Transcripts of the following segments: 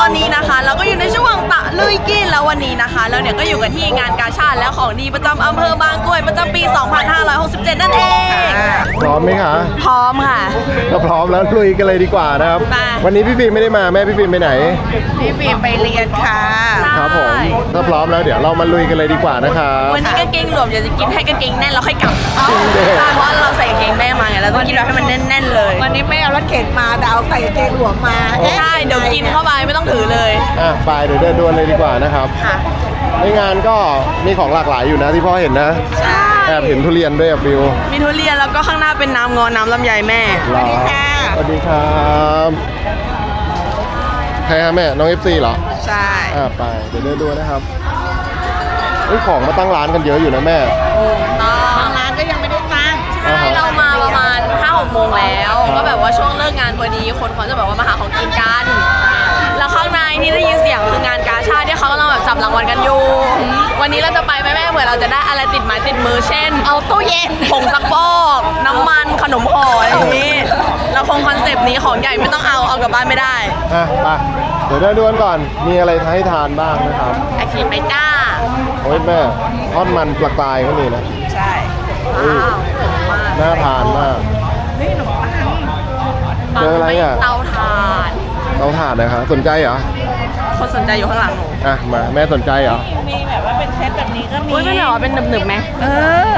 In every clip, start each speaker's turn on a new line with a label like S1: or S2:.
S1: อนนี้นะคะเราก็อยู่ในช่วงตะลุยกินแล้ววันนี้นะคะแล้วเนี่ยก็อยู่กันที่งานกาชาดและของดีประจำอำเภอบางกรวยประจำปี 2567 นั่นเอง
S2: พร้อมไหมคะ
S1: พร้อมค่ะ
S2: ถ้าพร้อมแล้วลุยกันเลยดีกว่านะครับ
S1: มา
S2: วันนี้พี่ฟิล์มไม่ได้มาแม่พี่ฟิล์มไปไหน
S3: พี่ฟิล์มไปเรียนค่ะ
S2: ครับผมถ้าพร้อมแล้วเดี๋ยวเรามาลุยกันเลยดีกว่านะครับ
S1: วันนี้กางเกงหลวมเดี๋ยวจะกินให้กางเกงแน่นแล้วค่อยกลับเพราะเราใส่กางเกงแม่มาไงเราต้องกินเราให้มันแน่นๆเลย
S3: วันนี้ไม่เอารถเข็นมาแต่เอาใส่กางเกงหลวมมา
S1: ใช่เดี๋ยวกินเข้าไปไม่ต้องถือเลย
S2: ไปเดี๋ยวเดินดวนเลยดีกว่านะครับ
S1: ค่ะ
S2: ในงานก็มีของหลากหลายอยู่นะที่พ่อเห็นนะ
S1: ใช่
S2: แอบเห็นทุเรียนด้วยอะฟิว
S1: มีทุเรียนแล้วก็ข้างหน้าเป็นน้ำงอน้ำลำไยแม่
S2: สวัสดีครับใครฮะแม่น้อง FC เหรอ
S3: ใช่
S2: ไปเดี๋ยวเดินดูนะครับของมาตั้งร้านกันเยอะอยู่นะแม่
S3: บางร้านก็ยังไม่ได้ตั้ง
S1: ใช่เรามาประมาณ 5-6 โมงแล้ว ก็แบบว่าช่วงเลิกงานพอดีคนเขาจะแบบว่ามาหาของกินกัน แล้วข้างในที่ได้ยินเสียงคืองานกาชาดที่เขากำลังแบบจับรางวัลกันอยู่ วันนี้เราจะไปไหมแม่เผื่อเราจะได้อะไรติดไม้ติดมือเช่น
S3: เอาตู้เย็น
S1: ผงซักฟอกน้ำมันขนมห่ออะไรอย่างนี้เราคงคอนเซปต์นี้ของใหญ่ไม่ต้องเอากลับบ้านไม่ได้
S2: ไปเดี๋ยวเดินดูกันก่อนมีอะไรให้ทานบ้างนะครับ
S1: ไอคิมไปจ้า
S2: โอ้ยแม่ทอดมันปลากรายก็มีนะ
S3: ใช่
S1: ว้าว
S2: น่าทานมาก
S3: นี่ขนมปัง
S2: เจออะไรอ่ะ
S1: เตาถ่าน
S2: เราทานนะครับสนใจเหรอ
S1: คนสนใจอยู่ข้างหลังหนู
S2: มาแม่สนใจเหรอ
S3: มีแบบว่าเป็นเซตแบบนี้ก็มี
S1: อุ้ยไม่เหรอเป็นหนึบๆไหม
S3: เออ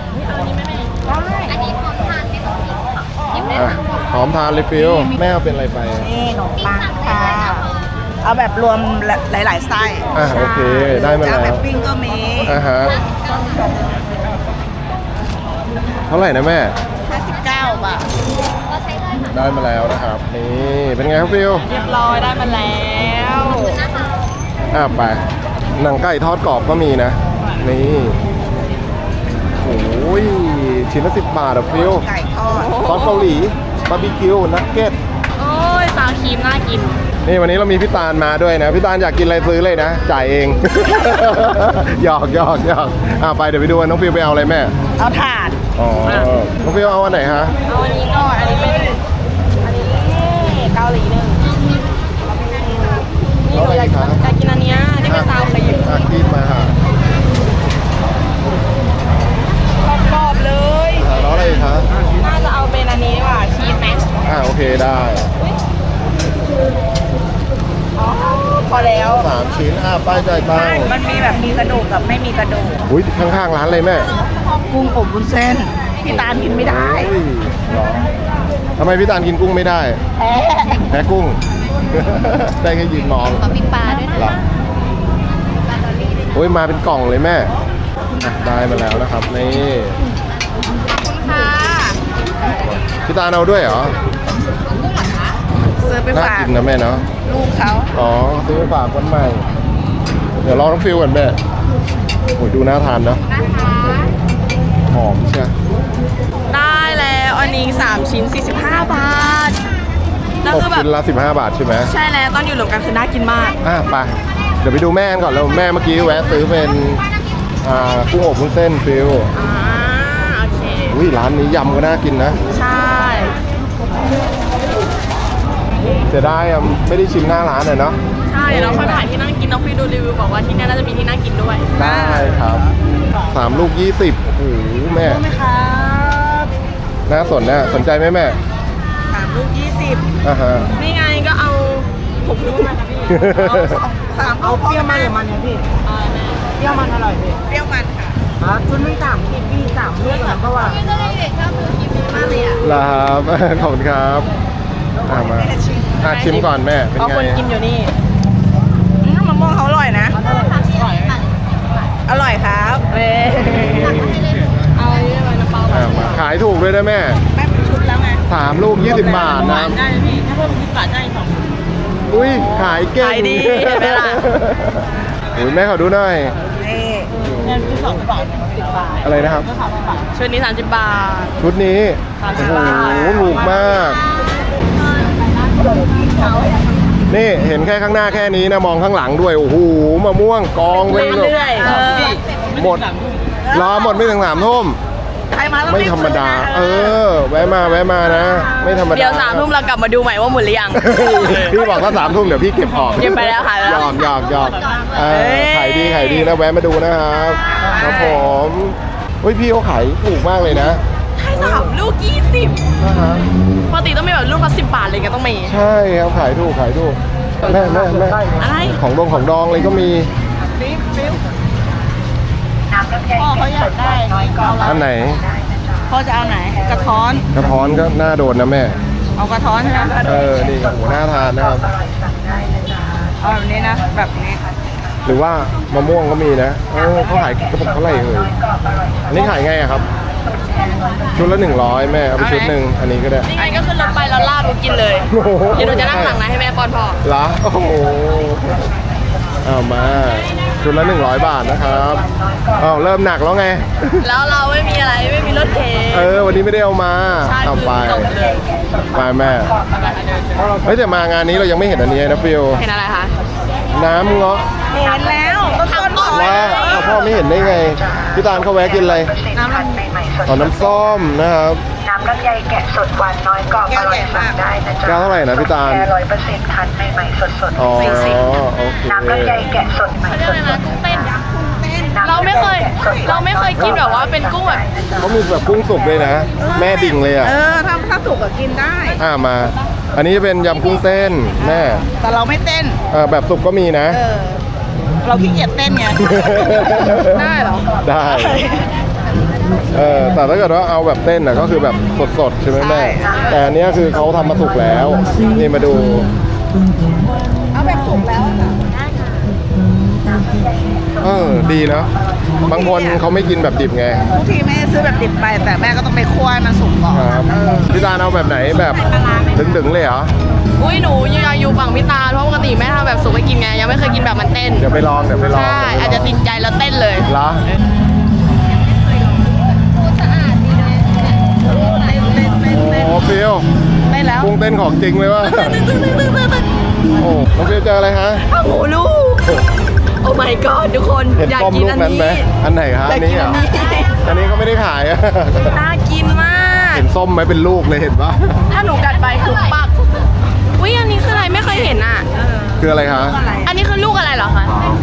S2: หอมทานเลยฟิวแม่เอาเป็นอะไรไป
S3: นี่ขนมปังค่ะ เอาแบบรวมหลายๆไส้
S2: โอเคได้มา
S3: จะ
S2: แล้
S3: เอาแบ
S2: ว
S3: บปิ้งก็มี
S2: ฮะเท่าไหร่นะแม่
S3: 59 บาท
S2: ได้มาแล้วนะครับนี่เป็นไงครับฟิว
S1: เรียบร้อยได้มาแล้ว
S2: ไปหนังไก่ทอดกรอบก็มีนะนี่โอ้ยชิ้นละ10 บาทอะฟิว
S3: ไก่ทอด
S2: ซอสเกาหลีบาร์บีคิวนักเก็ต
S1: โอ้ยซาวครีมน่ากิน
S2: นี่วันนี้เรามีพี่ตาลมาด้วยนะพี่ตาลอยากกินอะไรซื้อเลยนะจ่ายเอง หยอกไปเดี๋ยวไปดูว่าน้องฟิวไปเอาอะไรแม่
S3: เอาถาด
S2: น้องฟิวเอาอันไหนฮะ
S1: เอาอันนี้ก่อนอันนี้เป็นอันนี้เกาหลีหนึ่งนี่หนูอยากกินอันเนี้ยที่เป็นซาวครีม
S2: คีบมาค่ะ
S1: กรอบๆเลย
S2: แล้วอะไรอีกคะ
S1: น่าจะเอาเป็นอันนี้ดีกว่าชีสไหม
S2: โอเคได้
S1: พอแล้ว
S2: 3 ชิ้นป้ายจ่ายตังค์
S3: มันมีแบบมีกระดูกกับไม่มีกระดูก
S2: อุ้ยข้างๆร้านเลยแม่
S3: กุ้งอบวุ้นเส้น พี่ตาลกินไม่ได้
S2: เฮ้ยเหรอทำไมพี่ตาลกินกุ้งไม่ได้ แพ้กุ้ง ได้แค่ยืนมอง
S1: ขอปิ้งปลาด้วยนะ
S2: เหรอโอ้ยมาเป็นกล่องเลยแม่ได้มาแล้วนะครับนี่
S1: ค่ะ
S2: พี่ตาลเอาด้วยเหรอ
S3: ซื้อไป
S2: น่า
S3: ฝาก
S2: กินนะแม่เนาะ
S3: ลูกเขา
S2: ซื้อไปฝากวันใหม่ เดี๋ยวลองน้องฟิวก่อนแม่โอ้ยดูน่าทานเนาะหอมใช่
S1: ได้แล้วอันนี้3 ชิ้น 45 บาทแล้ว
S2: ตก
S1: คือแบบ
S2: ชิ้นละ15 บาทใช่ไหม
S1: ใช่แล้วตอนอยู่รวมกันคือน่ากินมาก
S2: ไปเดี๋ยวไปดูแม่กันก่อนแล้วแม่เมื่อกี้แวะซื้อเป็นกุ้งอบวุ้นเส้นฟิว
S1: โอเค
S2: อุ้ยร้านนี้ยำก็น่ากินนะ
S1: ใช่
S2: เสียดายไม่ได้ชิมหน้าร้านเลยเนาะ
S1: ใช่แล้วค่อยผ่านที่นั่งกินน้องฟิวดูรีวิวบอกว่าที่นี่น่าจะมีที่นั่งกินด้วย
S2: ได้ครับ3 ลูก 20โอ้โหแม่
S3: ไหมครับ
S2: น่าสนใจไหมแม่
S3: 3 ลูก 20
S1: นี่ไงก็เอาผมรู้มาค่ะพี่
S3: 3เอาเปรี้ยวมันหรือมันเนี่ยพี่ เปรี้ยวมันอร่อยพี่เปรี้ยวมันค่ะชุดนึง3 ขีดพี่3 ลูกแล้วก็ว่า
S2: ลาครับ ขอบคุณครับมาชิมก่อนแม่เป็น
S1: เอา
S2: ไง
S1: คนกินอยู่นี่
S3: มะม่วงเขาอร่อยนะ อร่อยครับ
S1: เอาเยอะเลยน้ำเปล่า
S2: มาขายถูกด้วยนะแม่
S3: แม่เป็นชุดแล้วไง
S2: 3 ลูก 20 บาทนะ
S3: ได้พี่ถ้าเพิ่ม20 บาทได้2
S2: อุ้ยขายเก่ง
S1: ขายดีเห็นไหมล่ะ
S2: อุ้ยแม่ขอดูหน่อย
S3: นี่เงินคือ2 บาท10 บาท
S2: อะไรนะครับ
S1: ชุดนี้30 บาท
S2: ชุดนี้
S1: 30
S2: โอ้
S1: บาท
S2: โหถูกมาก นี่เห็นแค่ข้างหน้าแค่นี้นะมองข้างหลังด้วยโอ้โหมะม่วงกองเป็นแบบ
S1: เรื่อยๆ
S2: หมดรอหมดไม่ถึง3 ทุ่ม
S3: รมาต้อง
S2: ไม่ธรรมดา แวะมานะ ไม่ธรรมดา
S1: เดี๋ยว3 ทุ่มเรากลับมาดูใหม่ว่าหมดหรือยัง
S2: พี่บอกว่า3 ทุ่มเดี๋ยวพี่เก็บของ
S1: เก็บไปแล้วค่ะ
S2: หยอกขายดีนะแวะมาดูนะครับครับผมเฮ้ยพี่เขาขายถูกมากเลยนะ
S1: ให้3 ลูก 20
S2: นะฮะ
S1: ปกติต้องมีแบบลูกละ10 บาทเลยก็ต้องมี
S2: ใช่ครับขายถูกแม่
S1: อะไร
S2: ของดองเลยก็มี
S3: พ่อเขาอยากได้น้อยกว่า
S2: อันไหน
S3: พ่อจะเอาไหนกระท้อน
S2: กระท้อนก็น่าโดนนะแม่
S3: เอากระท้อนใช่ไหม
S2: นี่โหน่าทานนะครับ
S3: เอาแบบนี้นะแบบนี้
S2: หรือว่ามะม่วงก็มีนะเขาขายกระปุกเท่าไหร่เอ่ยอันนี้ขายไงอะครับชุดละ100แม่เอาไปชุดหนึ่งอันนี้ก็ได้
S1: นี่ไงก็ขึ้นรถไปแล้วลาบกินเลย
S2: โอ้โห
S1: เดี๋ยวหนูจะนั่งหลังนะให้แม่ป้อนพ่อ
S2: เหรอโอ้โหเอามาชุดละ100 บาทนะครับเริ่มหนักแล้วไง
S1: แล้วเราไม่มีอะไรไม่มีรถเข็น
S2: วันนี้ไม่ได้เอามา
S1: ใช่
S2: เอาไป
S1: คือจบเลย
S2: ไปแม่เฮ้ยแต่มางานนี้เรายังไม่เห็นอันนี้นะฟิล
S1: เห็นอะไรคะ
S2: น้ำเงาะ
S3: เห็นแล้วต้นๆ
S2: ว่าพ่อไม่เห็นได้ไงพี่ตาลเขาแวะกินอะไร
S3: น้ำมัน
S2: น้ำส้มนะครับ
S4: น้ำลำไยแกะสดหวานน้อยกรอบอร่อยสั่งได้นะจ๊ะ
S2: แก้วเท่าไหร่นะพี่ตาล
S4: แค่100%คั้นใหม่ๆสด
S2: อ๋อโอเค
S4: ๆน้ำลำไยแกะสดใหม่
S1: เรียกอะไร
S4: ส
S1: นะ
S4: ด
S1: กุ้งเต้น
S4: ๆ
S1: เราไม่เคยกินแบบว่าเป็นกุ้งแบบ
S2: เขามีแบบกุ้งสุกเลยนะ แม่ดิ่งเลยอ่ะ
S3: ถ้าถูกก็กินได้
S2: มา อันนี้จะเป็นยำกุ้งเต้นแม่
S3: แต่เราไม่เต้น
S2: แบบสุกก็มีนะ
S3: เราขี้เกียจเต้นไง ได้เหรอ
S2: ได้แต่ถ้าเกิดว่าเอาแบบเต้นก็คือแบบสดๆใช่ไหมแม่ แต่อันเนี้ยคือเขาทำมาสุกแล้ว นี่มาดู
S3: เอาแบบสุกแล้ว
S2: ดีนะ บางคนเขาไม่กินแบบดิบไง
S3: บางทีแม่ซื้อแบบดิบไป แต่แม่ก็ต้องไปคั่วให้มันสุกก่อน
S2: ครับพี่ตาลเอาแบบไหนแบบดึงๆเลยเหรอ
S1: อุ้ยหนูอยู่ฝั่งพี่ตาลเพราะปกติแม่ทำแบบสุกให้กินไงยังไม่เคยกินแบบมันเต้น
S2: เดี๋ยวไปลอง
S1: ใช่อาจจะติดใจแล้วเต้นเลย
S2: ละโอ้ฟิล
S3: ได้แล้ว
S2: กุ้งเต้นของจริงเลยว่ะโอ้น้องฟิลเจออะไรฮะ
S1: โอ้โหลูก โอ้ my god ทุกคน
S2: เห็น
S1: อยาก
S2: ป้อม
S1: กิน
S2: ลูก
S1: อัน
S2: นั้น
S1: นี้
S2: ไหมอันไหนฮะอันนี้เหรออันนี้ก็ไม่ได้ขายอะ
S1: น่ากินมาก
S2: เห็นส้มไหมเป็นลูกเลยเห็นปะ
S1: ถ้าหนูกัดไปคือปักอุ้ยอันนี้คืออะไรไม่เคยเห็นอ่ะ
S2: คืออะไรคะ
S1: อันนี้คือลูกอะไรเหรอคะ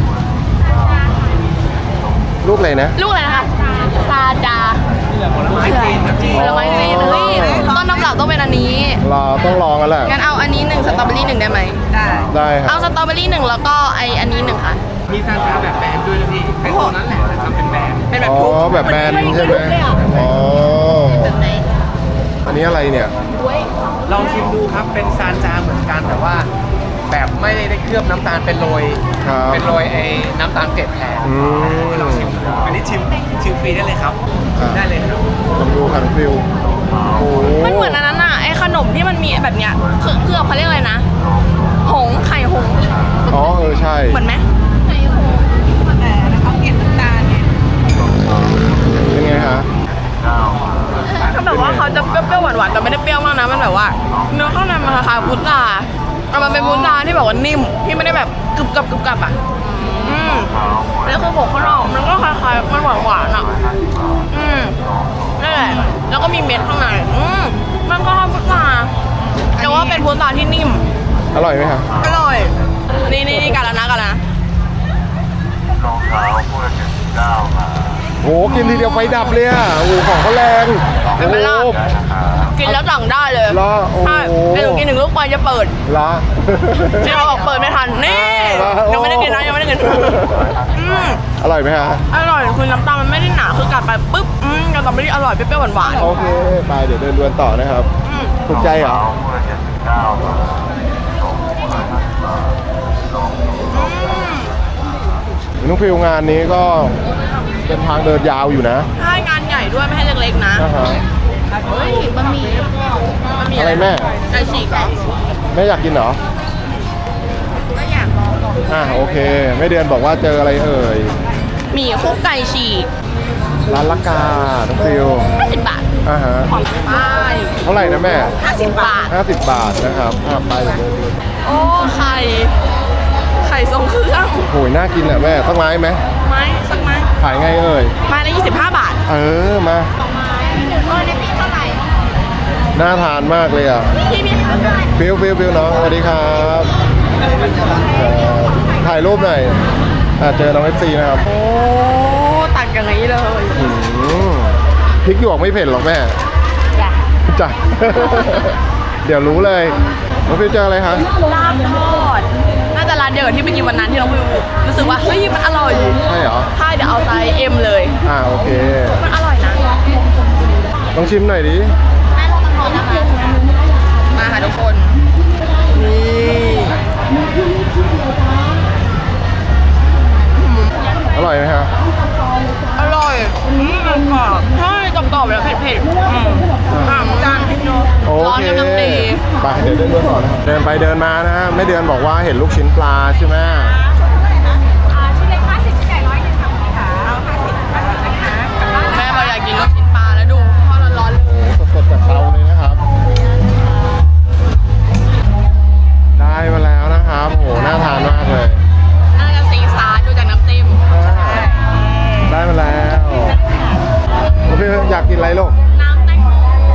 S2: ลูกอะไรนะ
S1: ลูกอะไรนะคะซาจาผลไม้จีนเฮ้ยต้นตำรับต้องเป็นอันนี้
S2: ต้องลองกันแหละ
S1: งั้นเอาอันนี้1สตรอเบอรี่1ได้ไหม
S3: ได้
S2: ได้ครั
S1: เอา
S2: บ
S1: สตรอเบอรี่1แล้วก็อันนี้1ค่ะ
S5: มีซานตาแบบแบนด้วยนะพี่เป็นตัวนั้นแหละแต่ทำเป็นแบน
S1: เป็นแบบ
S2: อ๋อแบบแบนใช่ไหมอ๋อ
S1: แบบไหน
S2: อันนี้อะไรเนี่ย
S5: ลองชิมดูครับ เป็นซานจาเหมือนกันแต่ว่า แบบไม่ได้เคลือบน้ำตาลเป็นโรย
S2: ครับ
S5: เป็นโรยไอ้น้ำตาลเกล็ดแทน
S2: อืม
S5: ลองชิมดูอันนี้ชิมฟรีได้เลยครับ ได้เลยครับ
S2: ลองดูคันฟิลโอ้
S1: มันเหมือนอันนั้นอ่ะไอ้ขนมที่มันมีแบบเนี้ยเคลือบเขาเรียกอะไรนะหงส์ไข่หงส์
S2: อ๋อใช่
S1: เหมือนไหม
S3: แต่เขาเก็บน้ำตาลเนี่ย
S2: เป็นไงฮะ
S1: ก็แบบว่าเขาจะเปรี้ยวๆหวานๆแต่ไม่ได้เปรี้ยวมากนะมันแบบว่าเนื้อข้างในมันคล้ายๆพุทราแต่มันเป็นพุทราที่แบบว่านิ่มที่ไม่ได้แบบกรึบกับอ่ะแล้วคือบอกข้างนอกมันก็คล้ายๆมันหวานๆอ่ะนั่นแหละแล้วก็มีเม็ดข้างในมันก็คล้ายพุทราแต่ว่าเป็นพุทราที่นิ่ม
S2: อร่อยไหมครับ
S1: อร่อย นี่กันแล้วนะ
S2: โหกินทีเดียวไฟดับเลยอ่ะโอ้โหของเขาแรง
S1: เป็นไหมล่ะ
S2: โอ้
S1: กินแล้วสั่งได้เลย
S2: เหรอโอ้โห
S1: ใช่เดี๋ยวหนูกิน1 ลูกไฟจะเปิด
S2: ละ
S1: ที่เราบอกเปิดไม่ทัน นี่ ยังไม่ได้กินนะยังไม่ได้กิน
S2: อร่อยไหมฮะ
S1: อร่อยคือน้ำตาลมันไม่ได้หนาคือกัดไปปุ๊บกับสตรอเบอรี่อร่อยเปรี้ยวๆหวาน
S2: โอเคไปเดี๋ยวเดินดวนต่อนะครับ ถูกใจเหรอน้องฟิลงานนี้ก็เป็นทางเดินยาวอยู่นะ
S1: ๆใช่งานใหญ่ด้วยไม่ให้เล็กๆนะ
S2: นะฮะ
S1: เฮ้ยบะหมี่
S2: อะไรแม่
S1: ไก่ฉีกเหรอ
S2: แม่อยากกินเหรอ
S1: ก็อยากลอง
S2: โอเคแม่เดือนบอกว่าเจออะไรเอ่ย
S1: หมี่คลุกไก่ฉีก
S2: ร้านละกาน้องฟิล
S1: 50 บาท
S2: ฮะ
S1: ของป้าย
S2: เท่าไหร่นะแม่
S1: 50 บาท
S2: 50 บาทนะครับไปเดี๋ยวเดินดู
S1: โอ้ไข่ทรงเครื่อง
S2: โหยน่ากินอ่ะแม่ต้องไม้ไหม
S1: ไม้สักไม้
S2: ขายไงเอ่ย
S1: ไม้ละ25 บาท
S2: มาน่าทานมากเลยอ่ะ
S1: พี่มีคะ
S2: ฟิวน้องสวัสดีครับถ่ายรูปหน่อยเจอน้องเอฟซีนะครับ
S1: โอ้ตักอย่างนี้เลย
S2: พริกหยวกไม่เผ็ดหรอกแม่
S1: จ้ะ
S2: จ้ะ เดี๋ยวรู้เลยน้องฟิวเจออะไรคะ
S1: ลาบทอดน่าจะร้านเดียวกับที่ไปกินวันนั้นที่น้องฟิวรู้สึกว่าเฮ้ยมันอร่อย
S2: ใช่เหรอ
S1: ใช่เดี๋ยวเอาไซส์ M เลย
S2: โอเค
S1: มันอร่อยนะ
S2: ต้องชิมหน่อยดิ
S1: แม่ลองทอนนะคะมาค่ะทุกคนนี่
S2: อร่อยไหมครับ
S1: อร่อยกรอบใช่กรอบๆแล้วเผ็ดๆจานพริกเนาะ
S2: โอ
S1: ร้อน
S2: เค
S1: กำลังดี
S2: ไปเดี๋ยวเดินต่อนะครับเดินไปเดินมานะฮะแม่เดือนบอกว่าเห็นลูกชิ้นปลาใช่ไหม
S1: ชิ้นเล็ก50ชิ้นใหญ่100นึงค่ะพี่ขาเอา50นะคะแม่บอกอยากกินลูกชิ้นปลาแล้วดูทอดร้อนๆเลย
S2: สดๆจากเตาเลยนะครับ ได้มาแล้วนะครับโหน่าทานมากเลย
S1: น่าจะซีซาร์ดูจากน้ำจิ้ม
S2: ได้มาแล้วพี่อยากกินอะไรลูก
S1: น้ำแตงโม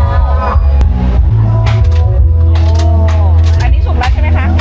S3: อันนี้สุกแล้วใช่ไหมคะ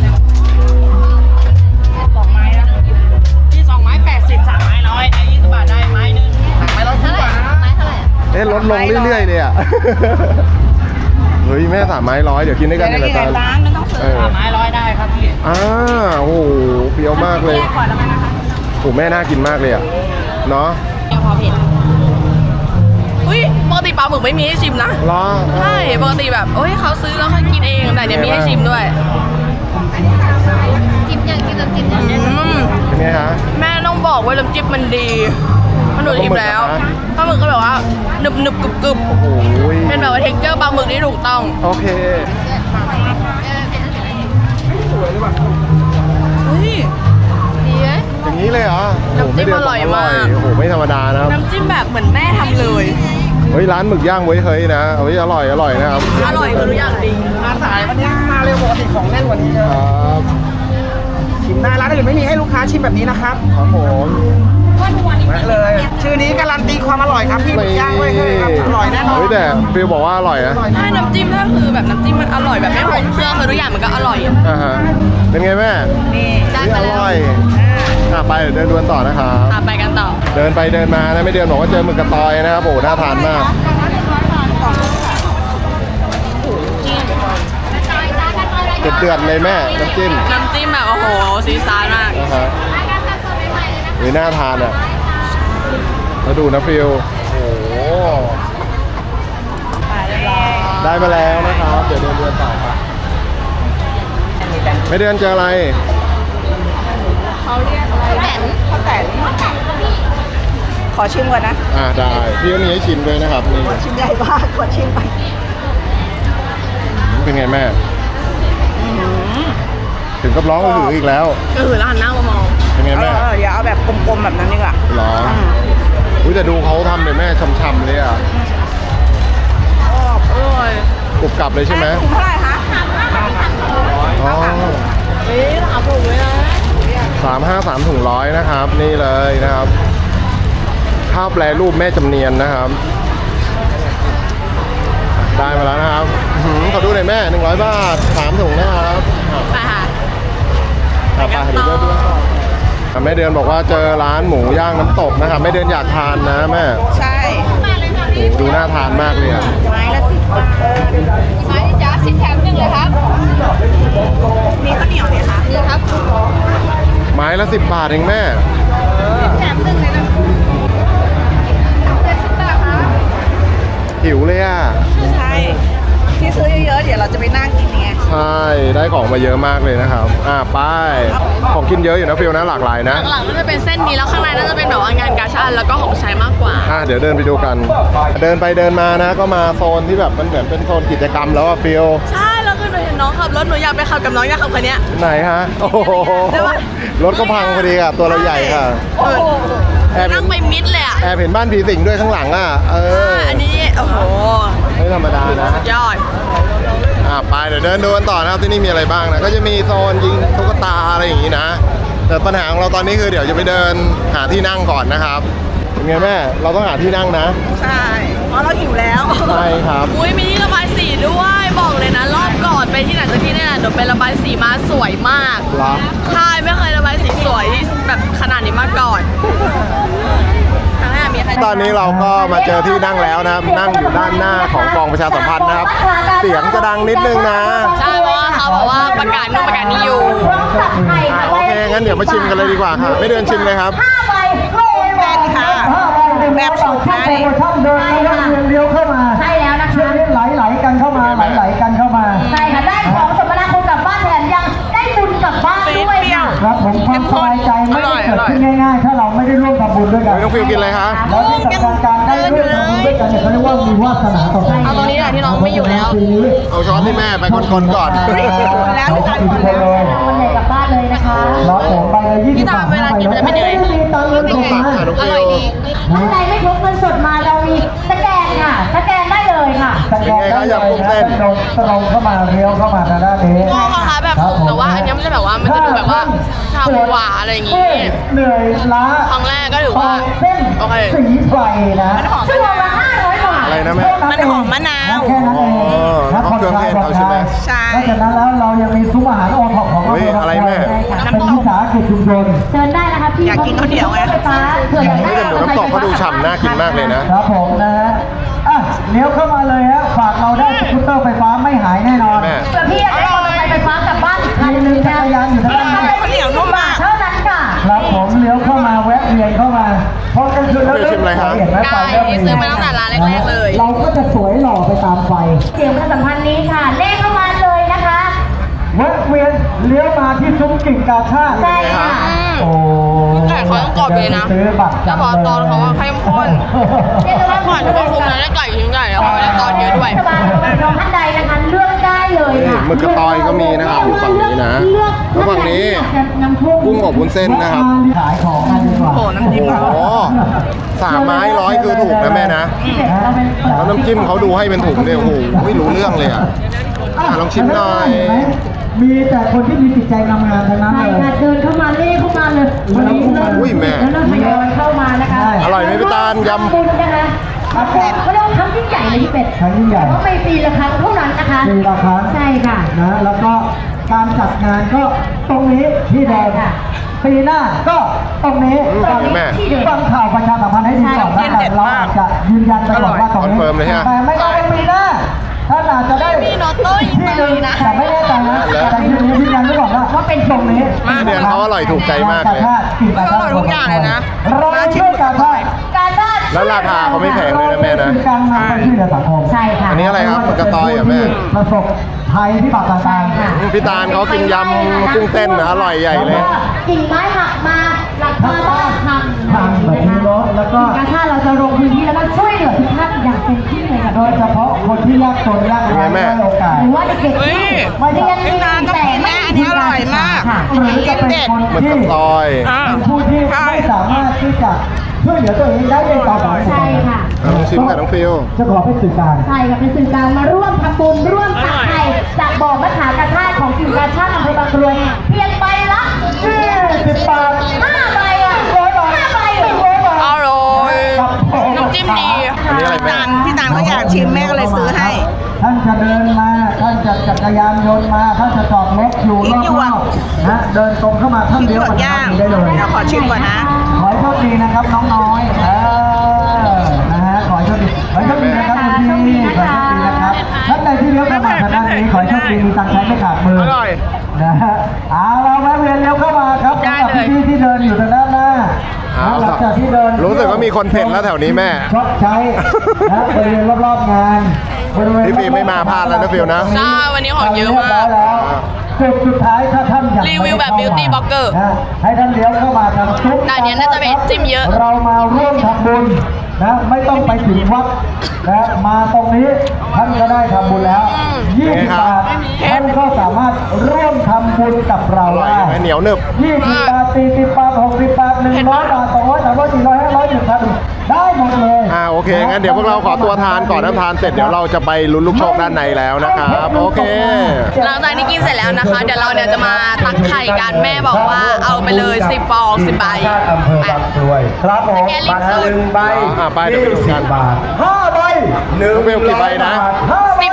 S3: 2 ไม้แล้ว
S1: ที่2 ไม้80 3 ไม้100ไอ้20 บาทได้ไม้นึง
S3: ไม้ละ100 บาทนะ
S1: ไม้เท่าไหร่
S2: ลดลงเรื่อยๆเลยอ่ะ เฮ้ยแม่3 ไม้100เดี๋ยวกินด้วยกัน
S3: เดี๋
S2: เดี๋
S3: ย
S2: ยว ว
S3: กิน
S2: กัน
S3: ร้านไม่ต้องซื้อ
S1: ไม้100ได้ครับพี่
S2: โอ้โหเปรี้ยวมากเลย
S3: ก่อนแล้วกันนะคะ
S2: โอ้แม่น่ากินมากเลยอ่ะเนาะ
S1: ยังพอเผ็ดอุ้ยปกติปลาหมึกไม่มีให้ชิมนะ
S2: รอ
S1: ใช่ปกติแบบโอ้ยเขาซื้อแล้วเขากินเองแต่เนี่ยมีให้ชิมด้วยจิ้มยังกินน้ำจิ้มยัง
S2: เป็นไงฮะ
S1: แม่ต้องบอกว่าน้ำจิ้มมันดีมันหนูชิมแล้วปลาหมึกก็แบบว่าหนึบหนึบกรึบกรึบ
S2: โอ้โห
S1: เป็นแบบว่าเท็กเจอร์ปลาหมึกที่ถูกต้อง
S2: โอเค
S1: ดีไหม
S2: อย่างนี้เลยเหรอโอ้โห
S1: น้ำจิ้ม
S2: ไเดื
S1: อร่อยมาก
S2: โอ้โหไม่ธรรมดานะครับ
S1: น้ำจิ้มแบบเหมือนแม่ทำเลย
S2: เฮ้ยร้านหมึกย่างเว้ยเฮ้ยนะเฮ้ยอร่อยนะครับ
S1: อร่อยคือทุกอย่างดี
S3: มาสายวันนี้มาเร็วปกติของแน่นกว่านี้เย
S2: ค
S3: อะ
S2: รับ
S3: ชิมได้ร้านอื่นไม่มีให้ลูกค้าชิมแบบนี้นะครับ
S2: ครับผม
S3: มาเลย ชื่อนี้การันตีความอร่อยครับพี่หมึกย่างไว้ให้ครับอร่อยแน่นอน
S2: เฮ้ยแต่ฟิลบอกว่าอร่อยนะ
S1: ใช่น้ำจิ้มก็คือแบบน้ำจิ้มมันอร่อยแบบไม่หอมเครื่องคือทุกอย่างมันก็อร่อย
S2: ฮะเป็นไงแม่
S3: นี่
S1: ได้
S2: เฮ้ย
S1: มา
S2: อ
S1: แล้ว
S2: ร่อยไปเดี๋ยวเดินดวนต่อนะครับ
S1: ไปกันต่อ
S2: เดินไปเดินมานะไม่เดินบอกว่าเจอหมึกกระตอยนะครับโอ้โหน่าทานมากเดือดๆเลยแม่น้ำจิ้ม
S1: น้ำจิ้มแบบโอ้โหซีซาร์มาก
S2: นะฮะเฮ้ยน่าทานอ่ะแล้วดูนะฟิลโอ้โหได้มาแล้วนะครับเดี๋ยวเดินต่อครับไม่เดินเจออะไร
S3: ข้าวแตนขอชิมก่อนนะ
S2: ได้พี่ก็มีให้ชิมด้วยนะครับนี่
S3: ชิมใหญ่มากขอชิมไป
S2: เป็นไงแม่ ถึงกับร้องหืออีกแล้ว
S1: ก็คือร้านหน้ามามอง
S2: เป็นไงแม่
S3: อย่าเอาแบบกลมๆแบบนั้นดีกว่า
S2: ร้องอุ้ยแต่ดูเขาทำเลยแม่ช่ำๆเลยอ่ะ
S1: อร่อย
S2: กรุบกรับเลยใช่ไหม
S3: ถุงเท่าไหร่คะ
S2: อ๋อ
S1: เฮ้ยถามผมเลยนะ
S2: 353ถุงร้อยนะครับ นี่เลยนะครับข้าวแปรรูปแม่จำเนียนนะครับ ได้มาแล้วนะครับขอดูหน่อยแม่100 บาท3ถุงนะครับ
S1: ไปค่ะ
S2: ไปเดี๋ยวเดินดูต่อแม่เดือนบอกว่าเจอร้านหมูย่างน้ำตกนะครับแม่เดือนอยากทานนะแม่
S3: ใช่
S2: โอ้ดูน่าทานมากเลยอะ
S3: ไม้ละ10 บาท
S1: ไม้จ้า10 แถม 1เลยครับ
S3: มีข้าวเหนียวไหมคะ
S1: นี่ครับ
S2: ไม้ละ10 บาทเองแม่
S1: แถม 1เลยนะ10 บาทครับ
S2: หิวเลยอ่ะ
S3: ใช่ที่ซื้อเยอะๆเดี๋ยวเราจะไปนั่งกินไง
S2: ใช่ได้ของมาเยอะมากเลยนะครับไปของกินเยอะอยู่นะฟิลนะหลากหลายนะ
S1: หลังๆก็จะเป็นเส้นนี้แล้วข้างในน่าจะเป็นแบบว่างานกาชาดแล้วก็ของใช้มากกว่า
S2: เดี๋ยวเดินไปดูกัน เดินไปเดินมานะ ก็มาโซนที่แบบมันเหมือนเป็นโซนกิจกรรมแล้วอะฟิล
S1: ใช่แล้วคือหนูเห็นน้องขับรถหนูอยากไปขับกับน้องอยากขับคันเนี้ย
S2: ไหนฮะโอ้โห
S1: ได้ปะ
S2: รถก็พังพอดีอะตัวเราใหญ่ค่ะแอบเห็
S1: นั่
S2: น
S1: งไปมิดเลยอ่ะ
S2: แอบเห็นบ้านผีสิงด้วยข้างหลังอ่ะ
S1: อันนี้โอ้โห
S2: ไม่ธรรมดานะ
S1: สุดยอด
S2: ไปเดี๋ยวเดินดูกันต่อนะครับที่นี่มีอะไรบ้างนะก็จะมีโซนยิงตุ๊กตาอะไรอย่างนี้นะแต่ปัญหาของเราตอนนี้คือเดี๋ยวจะไปเดินหาที่นั่งก่อนนะครับเป็นไงแม่เราต้องหาที่นั่งนะ
S3: ใช่เพราะเราหิวแล้ว
S2: ใช่ครับ
S1: อุ้ยมีที่ระบายสีหนูไประบายสีมาสวยมาก
S2: เหรอ
S1: ใช่ไม่เคยระบายสีสวยแบบขนาดนี้มาก่อนครั้งแรกมีใคร
S2: ตอนนี้เราก็มาเจอที่นั่งแล้วนะครับ นั่งอยู่ด้านหน้าของกองประชาสัมพันธ์นะครับ เสียงจะดังนิดนึงนะ
S1: ใช่เพราะว่าเขาบอกว่าประกาศนู่นประกาศนี่อยู่
S2: โอเค งั้นเดี๋ยวมาชิมกันเลยดีกว่าค่ะ ไม่เดินชิมเลยครับ
S3: เป็นค่ะแบบสุกนะนี่ช่องเดินเลี้ยวเข้ามา
S6: ใช่แล้วนะคะ
S3: ไหลกันเข้ามาไหลกันเข้ามา
S6: ใช่ค่ะได้ของสมนาคุณกลับบ้านแถมยังได้บุญกลับบ้านด้วยค่ะ
S3: ครับผมความสบายใจไม่ได้เกิดขึ้นง่ายๆถ้าเราไม่ได้ร่วมทำบุญด้วยกัน
S2: น้องฟิวกินอะไรคะ
S3: แล้วที่สำคัญการได้ร่วมทำบุญด้วยกันเนี่ยเขาเรียกว่ามีวาสนาต่อกัน
S1: เอาตรงนี้แหละที่น้องไม่อยู่แล้ว
S2: เอาช้อนที่แม่ไปคนๆก่อน
S3: แล้วที่ทานคนแล้ว
S6: วันไหนกลับบ้านเลยนะคะ
S3: เราผมไปเลย20
S1: พี่ตามเวลากินมันจะเป็นยังไง
S3: มีตังค์เงินสดมา
S1: อร่อยดี
S6: ท่านใดไม่พกเงินสดมาเรามีสแกนค่ะสแกนได้เลยค่ะ
S3: สแกนได้เลยนะตรงเข้ามาเลี้ยวเข้ามาทางด้านนี้
S1: ก็คล้ายๆแบบสุกแต่ว่าอันนี้มันจะแบบว่ามันจะดูแบบว่าชาบูหวานอะไรอย่างงี้
S3: เหนื่อยล้า
S1: ครั้งแรกก็ถือว่า
S3: เส้น
S1: โอเค
S3: สีไฟนะ
S6: ชั่วโมงละ500 บาท
S2: อะไรนะแม่
S3: มันหอมมะนาวแค่นั้นเอง
S2: อ๋อเครื่องเทศเขาใช่ไหม
S3: ใช่นอกจากนั้นแล้วเรายังมีซุ้มอาหารโอท็อปของเรา
S2: เฮ้ยอะไรแม่
S3: เป็นวิสาหกิจชุมชน
S6: เชิญได้นะคะพี่อยากกินข้าวเหนียวไงไฟฟ้าเผื่ออยาก
S2: นี่
S6: ได้
S2: แต่หมูน้ำตกเขาดูฉ่ำน่ากินมากเลยนะ
S3: ครับผมนะฮะอ่ะเลี้ยวเข้ามาเลยฮะฝากเราได้สกูตเตอร์ไฟฟ้าไม่หายแน่นอน
S2: แม่
S6: เผื่อพี่อยากได้มอเตอร์ไซค์ไฟฟ้ากลับบ้านอีกคันนึง
S3: จักรยานอยู่ทางด้านนี้
S6: ข้าวเหนียวนุ่มมากเท่านั้นค่ะ
S3: ครับผมเลี้ยวเข้ามาแวะเวียนเข้ามาพอกลางคืนแล้ว
S2: ไม่ชิมอะไรครับ
S3: เห็นไหมไฟ
S1: ไก่ที่ซื้อมาตั้งแต่ร้านแรกๆเลย
S3: เราก็จะสวยหล่อไปตามไฟ
S6: เสียงประชาสัมพันธ์นี้ค่ะเลขเข้ามาเลยนะคะ
S3: แวะเวียนเลี้ยวมาที่ซุ้มกิ่งกาชาติ
S6: ใช่ค่ะ
S3: โอ้
S1: ไก่เขาต้องกรอบเลยนะ
S3: ซื้อบัตร
S1: แล้วพอตอนเขาว่าเข้มข้น
S6: เรียกได้ว่า
S1: ก่อนจะควบคุมนะได้ไก่ชิ้นใหญ่แล้วเขาไม่ได้ตอนเยอะด้วย
S6: สบายน้องท่านใดนะคะเลือกได้เลยค่ะ
S2: หมึกกระตอยก็มีนะครับอยู่ฝั่งนี้นะแล้วฝั่งนี้กุ้งอบวุ้นเส้นนะครับ
S3: ขายของกันดีกว่า
S1: โอ้น้ำจิ้ม
S2: โอ้โห3 ไม้100คือถูกนะแม่นะ แล้วน้ำจิ้มเขาดูให้เป็นถุงเนี่ยโอ้โหไม่รู้เรื่องเลยอ่ะลองชิมหน่อย
S3: มีแต่คนที่มีจิตใจงามๆทั้งนั้น
S6: ใช่
S3: เลย
S6: ค่ะเดินเข้ามาเลขเข้ามาเลยวันนี้เริ่ม
S2: อุ้ยแม่
S6: แล้วเริ่มทยอยเข้ามานะคะ
S2: อร่อยไหมพี่ตาลยำ
S6: บุญนะคะเขาเรียกว่าครั้งยิ่งใหญ่เลยพี่เป็ด
S3: ครั้งยิ่งใหญ่
S6: เพราะไม่ปีละครั้งเท่านั้นนะคะ
S3: ปีละครั้ง
S6: ใช่ค่ะ
S3: นะแล้วก็การจัดงานก็ตรงนี้ที่เดิมปีหน้าก็ตรงนี้
S2: แม่
S3: ฟังข่าวประชาสัมพันธ์ให้ดีก่อนนะแต่เราอาจจะยืนยันไปก่อนว่าตรงนี้
S2: คอนเฟิร์มเลยฮะ
S3: แต่ไม่ได้เป็นปีหน้าถ้าอาจจะได้
S1: มีโนโต้ยิง
S3: ที่
S1: เล
S3: หนึ่ง
S1: ยนะ
S3: แต่ไม่แน่ใจนะแต่ยืนยันไว้ก่อนว่าเป็นตรงนี้
S2: เดือนเขาอร่อยถูกใจมากเลย
S1: อร่อยทุกอย่างเลยนะ
S3: เราช่วยกันว่า
S6: การชาติ
S2: แล้วราคาเขาไม่แพงเลยนะแม่นะ
S3: คือการนำไปช่วยเหลือสังคม
S6: ใช่ค่ะ
S2: อันนี้อะไรครับหมึกกระตอยเหรอแม่
S3: ประสบภัยพิบัติต่างๆ
S2: พี่ตาลเขากินยำกุ้งเต้นนะอร่อยใหญ่เลย
S6: กิ่งไม้หักมาหลังคาบ้านพัง
S3: พังแบบนี้เนอะแล้วก็
S6: การชาติเราจะลงพื้นที่แล้วก็ช่วยเหลือทุกท่านอย่างเต็มที่เลยค่ะ
S3: โดยเฉพาะคนที่ยากจนยากไร้
S2: เป็นไงแม่
S3: ได้โอกาส
S6: หรือว่าเด็กๆที่มาเรียนดีแต่ไม่มีการศึกษาค่ะ
S3: หรือจะเป็นคน
S2: หมึก
S3: ที่
S2: กระตอย
S3: เป็นผู้ที่ไม่สามารถที่จะช่วยเหลือตัวเองได้ในต่อไป
S6: ใช่ค่ะ
S2: ลองชิมกับน้องฟิล
S3: จะขอเป็นสื่อกลาง
S6: ใช่ค่ะเป็นสื่อกลางมาร่วมทำบุญร่วมตักไข่จากบ่อมะขามกระชาติของกิ่งกระชาติอำเภอบางกรวยเพียงใบละ
S3: 10 บาท
S6: 5 ใบอ่ะ5 ใบเหรอ
S1: อร่อยน้ำจิ้มดี
S2: อันนี้อะไรแม่
S7: พี่ตาลเขาอยากชิมแม่ก็เลยซื้อให้
S3: ท่านจะเดินมาท่านจะจักรยานยนต์มาท่านจะจอดรถอยู่รอบๆนะเดินตรงเข้ามาท่าน
S7: พริก
S3: เดี
S7: ห
S3: ยว
S7: ยว
S3: กั
S7: ก
S3: บ
S7: ย่าง
S3: ได้เลย
S7: เดี๋ยวขอชิมก่อนนะ
S3: ขอให้โชคดีนะครับน้องน้อยนะฮะขอให้โชคดีนะครับคุณพี่ขอให้โชคดีนะครับท่านใดที่เลี้ยวเข้ามาทางด้านนี้ขอให้โชคดีมีตังค์ใช้ไม่ขาดมือ
S1: อร่อย
S3: นะฮะเอาเราแวะเวียนเลี้ยวเข้ามาครับ
S1: ได้
S3: สำหรับ
S1: เลย
S3: พี่ๆที่เดินอยู่ทางด้านหน้า
S2: เอา
S3: หลั
S2: ล่ะ
S3: งจากที่เดิน
S2: รู้สึกว่ามีคนเพ่นแล้วแถวนี้แม่
S3: ชดใช้นะบริเวณรอบๆงานบริเวณ
S2: พี่ฟิล์มไม่มาพลาดแล้วนะฟิลนะ
S1: ใช่วันนี้ของเยอะมาก
S3: จุดสุดท้ายถ้าท่านอยาก
S1: รีวิวแบบ beauty blogger
S3: นะให้ท่านเลี้ยวเข้ามาทางซุป
S1: แต่อันเนี้ยน่าจะเป็นจิ้มเยอะ
S3: เรามาร่วมทำบุญนะไม่ต้องไปถึงวัดนะมาตรงนี้ท่านก็ได้ทำบุญแล้ว20 บาทท่านก็สามารถร่วมทำบุญกับเรา
S2: อร่อย
S3: ได้
S2: ไหมเหนียวหนึบ
S3: 20 บาท 40 บาท 60 บาท 100 บาท 200 300 400 500 1,000ได้หมดเลย
S2: โอเค งั้นเดี๋ยวพวกเราขอตัวทานก่อนนะทานเสร็จเดี๋ยวเราจะไปลุ้นลูกโชคด้านในแล้วนะครับ โอเค
S1: หลังจากที่กินเสร็จแล้วนะคะ เดี๋ยวเราเนี่ยจะมาตักไข่กันแม่บอกว่าเอาไปเลย10 ฟอง 10 ใบ
S3: อำเภอบางกรวยครับผม
S1: สแกนลิงก์สุด
S3: ใบ
S2: ไปเดี๋ยวไปดูกัน
S3: 20 บาท5 ใบ
S2: น้องเบลกี่ใบนะ
S1: 10 ใบใบ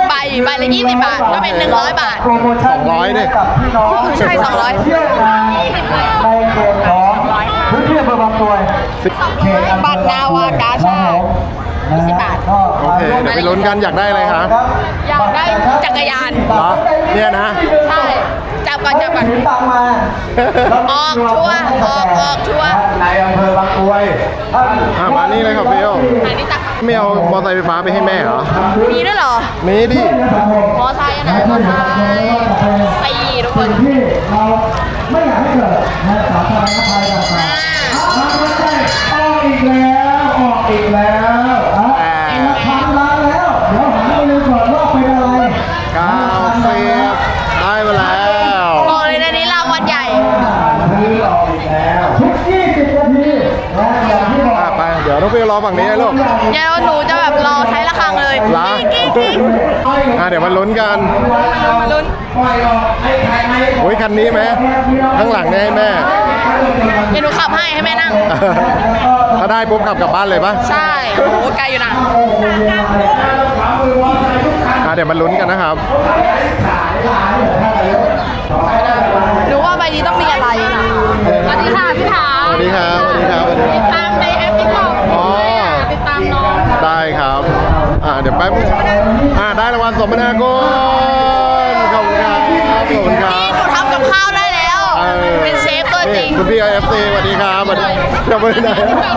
S1: บละ20 บาท ก็เป็น 100 บาท
S3: โปรโมชั่นนี้ให้กับพี่น้อง
S1: ใช่200
S3: เที่ยวงานในเขตของพื้นที่อำเภอบางกรวยเขตอำเภอบางกรวย
S1: บัตรนาวากาชาติ 20 บาท
S2: โอเคเดี๋ยวไปลุ้นกันอยากได้อะไรคะ
S1: อยากได้จักรยาน
S2: เหรอเนี่ยนะ
S1: ใช่ จับก่อน
S3: ถือตังค์มา
S1: ออกทัวร์ออกทัวร์
S3: ในอำเภอบางกรวย
S2: มานี่เลยครับฟิล
S1: อันนี้ตัก
S2: ไม่เอามอเตอร์ไซค์ไฟฟ้าไปให้แม่เหรอ
S1: มีด้วยเหรอ
S2: มีดิ
S1: มอไซค์นะมอไซค์4ทุกคน
S3: ที่เราไม่อยากให้เกิดนะสาธารณภัยต่างๆออกอีกแล้วออกอีกแล้วราคาล้านแล้ว เดี๋ยวหาไปเลยก่อนว่าเป็นอะไร
S2: กาแฟได้มาแล้ว
S1: บอกเลยนะนี้รางวัลใหญ่
S3: ซื้อออกอีกแล้วทุก20 นาทีนะอย่างที่บอก
S2: ไปเดี๋ยวน้องฟิลรอฝั่งนี้นะลูก
S1: เดี๋ยวหนูจะแบบรอใช้ระฆังเลย
S2: เหรอ
S1: กิ๊ก
S2: เดี๋ยวมาลุ้นกัน
S1: มาลุ้น
S2: โอ้ยคันนี้ไหมข้างหลังเนี่ยให้แม่
S1: เดี๋ยวหนูขับให้แม่นั่ง
S2: ถ้าได้ปุ๊บขับกลับบ้านเลยปะ
S1: ใช่โอ้โหไกลอยู่นะ
S2: เดี๋ยวมาลุ้นกันนะครับ
S1: หนูว่าใบนี้ต้องมีอะไรสวัสดีค่ะพี่ถา
S2: สวัสดีครับ สวัสดีครับ สวัสดี
S1: ติ
S2: ค
S1: ด
S2: รับ
S1: ตามในแอปติ๊กต็อก
S2: อ๋อ
S1: ติดตามน้อง
S2: ได้ครับ เดี๋ยวแป๊บได้รางวัลสมนาคุณขอบคุณครับ ขอบคุณครับ
S1: นี่หนูทำกับข้าวได้แล้ว เป็นเชฟตัวจริง
S2: คุณพี่ IFC สวัสดีครับสวัสดีจะไปไหน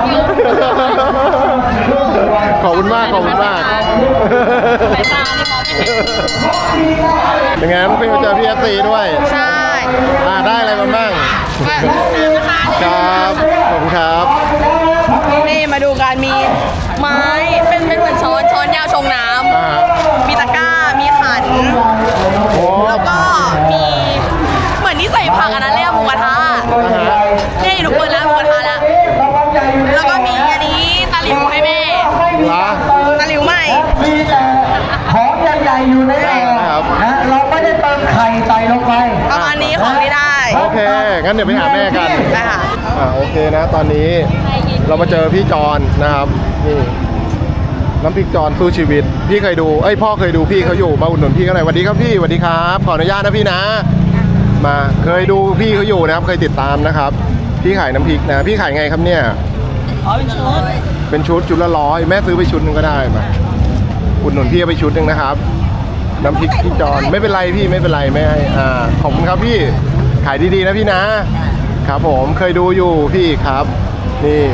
S2: ขอบคุณมาก ขอบคุณมาก
S1: สายตานี่มองไม่เห็น
S2: เป็นไงน้องฟิลเจอพี่ IFC ด้วย
S1: ใช่
S2: ได้อะไรมาบ้าง ครับ ขอบคุณครับ
S1: นี่มาดูกันมีไม้เป็นเหมือนช้อนยาวชงน้ำมีตะกร้า มีขัน
S2: โอ้
S1: แล้วก็มีเหมือนที่ใส่ผักอันนั้นเรียกหมูกระทะนี่หนูเปิดร้านหมูกระทะแล้ว แล้วก็มีอันนี้ตะหลิวให้แม่
S2: ละ
S1: ตะหลิวใหม่
S3: มีแต่ของใหญ่ๆอยู่ในอ่างนะเราไม่ได้เติมไข่ใส่ลงไป
S1: ประมาณนี้ของที่ได้
S2: โอเค งั้นเดี๋ยวไปหาแม่กัน
S1: ได้ค่ะ
S2: โอเคนะ ตอนนี้เรามาเจอพี่จอนนะครับ นี่น้ำพริกจอนสู้ชีวิต พี่เคยดู พ่อเคยดูพี่เขาอยู่ มาอุดหนุนพี่เขาหน่อยสวัสดีครับพี่สวัสดีครับ ขออนุญาตนะพี่นะ มาเคยดูพี่เขาอยู่นะครับ เคยติดตามนะครับ พี่ขายน้ำพริกนะ พี่ขายไงครับเนี่ย เป็นชุดละ100แม่ซื้อไปชุดหนึงก็ได้มาอุดหนุนพี่เอาไปชุดหนึงนะครับ น้ำพริกพี่จอนไม่เป็นไรพี่ไม่เป็นไรไม่ให้ขอบคุณครับพี่ขายดีๆนะพี่นะ ครับผมเคยดูอยู่พี่ครับนี่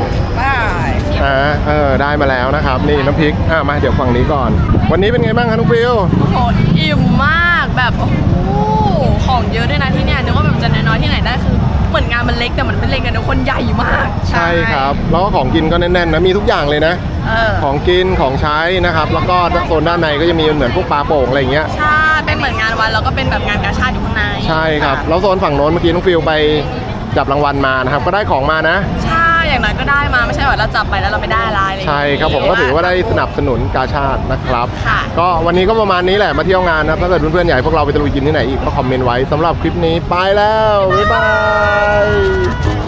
S2: ได้มาแล้วนะครับ นี่น้ำพริกมาเดี๋ยวฝั่งนี้ก่อน วันนี้เป็นไงบ้างครับน้องฟิล
S1: โอ้โหอิ่มมากแบบโอ้โหของเยอะด้วยนะที่เนี่ยนึกว่าแบบจะน้อยๆที่ไหนได้คือเหมือนงานมันเล็กแต่มันเป็นเล็กกันทุกคนใหญ่มาก
S2: ใช่ครับแล้วก็ของกินก็แน่นๆนะมีทุกอย่างเลยนะ ของกินของใช้นะครับ แล้วก็โซนด้านในก็จะมีเหมือนพวกปลาโป่งอะไรอย่างเงี้ย
S1: ใช่เป็นเหมือนงานวันแล้วก็เป็นแบบงานกาชาดอยู่ข้างใน
S2: ใช่ครับแล้วโซนฝั่งโน้นเมื่อกี้น้องฟิลไปจับรางวัลมานะครับก็ได้ของมานะ
S1: ใช่อย่างนั้นก็ได้มาไม่ใช่ว่าเราจับไปแล้วเราไม่ได้อะไรเลย
S2: ใช่ครับผมก็ถือว่าได้สนับสนุนกาชาตินะครับ
S1: ค่ะ
S2: ก็วันนี้ก็ประมาณนี้แหละมาเที่ยวงานนะถ้าเกิดเพื่อนๆอยากให้พวกเราไปตะลุยกินที่ไหนอีกก็คอมเมนต์ไว้สำหรับคลิปนี้ไปแล้วบ๊ายบาย